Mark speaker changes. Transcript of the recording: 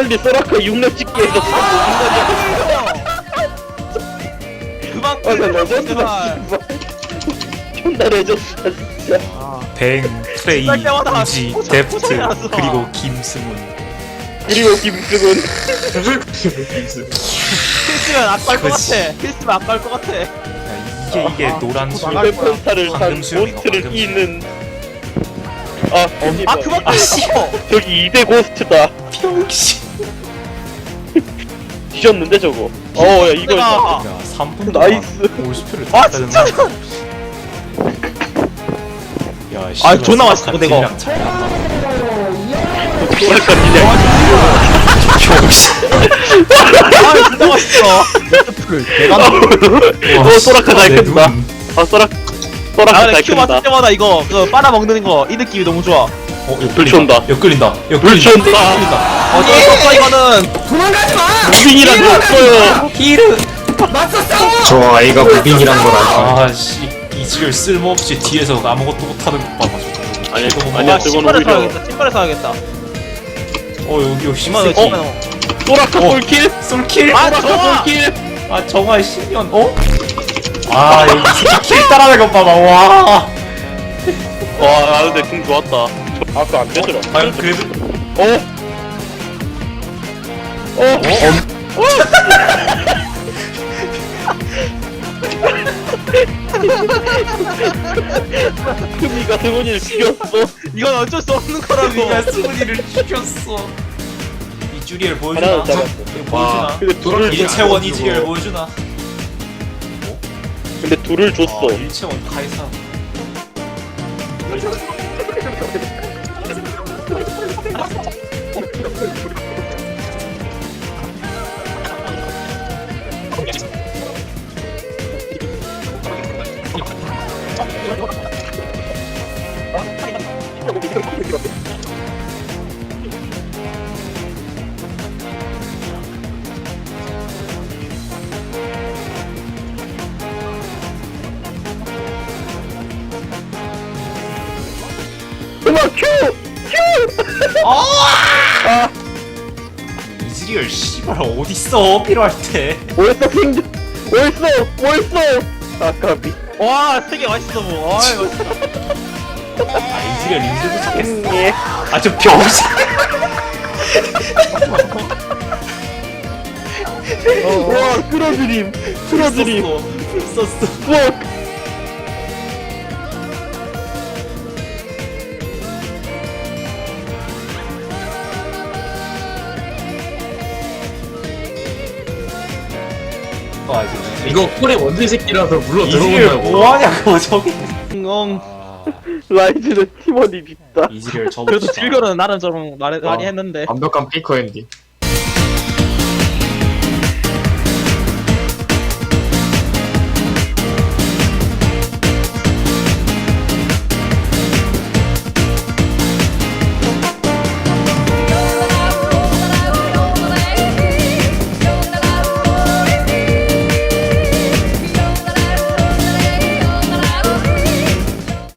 Speaker 1: 빨리 소라카 6렙 찍기 해서
Speaker 2: 그만
Speaker 1: 나 레전드다
Speaker 2: 제발.
Speaker 1: 씨발 존나 레전드다 진짜
Speaker 3: 뱅, 프레이,
Speaker 2: 시작 때마다
Speaker 3: 우지,
Speaker 2: 포착,
Speaker 3: 데프트,
Speaker 2: 포착이라서.
Speaker 3: 그리고 김승훈.
Speaker 1: 그리고 김승훈
Speaker 2: 필수면 아까울 것
Speaker 3: 그치.
Speaker 2: 같아. 필수면 아까울 것 같아.
Speaker 3: 야, 이게 노란 술.
Speaker 2: 나갈 거야.
Speaker 1: 페펜타를 탄
Speaker 3: 방금 수염이가
Speaker 1: 고스트를
Speaker 3: 방금
Speaker 1: 끼는
Speaker 2: 아 그만
Speaker 3: 아, 씨.
Speaker 1: 저기 2대 고스트다
Speaker 3: 병신.
Speaker 1: 뒤졌는데 저거 야 이거
Speaker 2: 내가
Speaker 3: 야, 3분 동안
Speaker 1: 나이스.
Speaker 3: 올스표를
Speaker 2: 아,
Speaker 3: 다
Speaker 2: 진짜?
Speaker 3: 빼는 야,
Speaker 2: 아, 존나 맛있어, 내가.
Speaker 3: 잘 나간다.
Speaker 1: 소라카 니네
Speaker 3: 병신.
Speaker 2: 아 진짜 맛있어.
Speaker 1: 소라카 잘
Speaker 3: 내
Speaker 1: 끈다
Speaker 3: 눈.
Speaker 1: 소라카
Speaker 2: 아 근데
Speaker 1: 잘
Speaker 2: 큐
Speaker 1: 끈다
Speaker 2: 맞을 때마다 이거 그 빨아 먹는 거 이 느낌이 너무 좋아.
Speaker 1: 불치 온다.
Speaker 3: 엿끌린다.
Speaker 1: 불치 온다.
Speaker 2: 어쩔 수 없어 이거는.
Speaker 1: 무빙이란 게 없어요
Speaker 3: 히르.
Speaker 4: 저 아이가 무빙이란 걸 알까?
Speaker 3: 아씨, 이지를 쓸모없이 뒤에서 아무것도 못하는 것 봐가지고.
Speaker 1: 아니,
Speaker 3: 저거
Speaker 1: 아니야,
Speaker 2: 아
Speaker 1: 저건
Speaker 2: 신발을
Speaker 1: 오히려-
Speaker 2: 사야겠다. 신발을 사야겠다.
Speaker 3: 여기
Speaker 2: 이만
Speaker 3: 새끼.
Speaker 2: 원.
Speaker 1: 소라카 솔킬?
Speaker 3: 솔킬.
Speaker 2: 아,
Speaker 1: 소라카
Speaker 2: 좋아!
Speaker 1: 솔킬?
Speaker 3: 아, 정말 10년. 아, 여기 새끼 킬 따라하는 것 봐봐. 와.
Speaker 1: 와 근데 궁 좋았다 아까 안 되더라
Speaker 3: 아, 그래도.
Speaker 1: 금이가 승훈이를 죽였어
Speaker 2: 이건 어쩔 수 없는 거라고.
Speaker 3: 네가 승훈이를 죽였어. 이주리엘 보여주나?
Speaker 1: 하나는 잡았어.
Speaker 3: 이거 보여주나?
Speaker 1: 근데 둘을
Speaker 3: 일체원 이지리엘 보여주나?
Speaker 1: 근데 둘을 줬어
Speaker 3: 아, 일체원 카이사.
Speaker 1: 음악 큐!
Speaker 3: 이지리엘 씨발 어딨어 필요할 때.
Speaker 1: 뭐했어 킹 뭐했어 아까비
Speaker 2: 와 되게 맛있어 뭐. 아이 맛있다.
Speaker 3: 아, 이지리엘 인쇄도 찾겠어.
Speaker 1: 예.
Speaker 3: 아, 저 병신.
Speaker 1: 와 끌어들임
Speaker 3: 풀 썼어.
Speaker 1: 우와
Speaker 3: 아, 이제
Speaker 4: 이거 콜의 원숭이 새끼라서 물러
Speaker 3: 이지리엘
Speaker 4: 들어온다고.
Speaker 3: 뭐하냐고 저기.
Speaker 2: 응.
Speaker 1: 라이즈는 팀원이 밉다
Speaker 3: 이지리엘
Speaker 2: 그래도
Speaker 3: 접읍시다.
Speaker 2: 딜교는 나름 좀 많이 했는데.
Speaker 4: 완벽한 페이커 엔딩.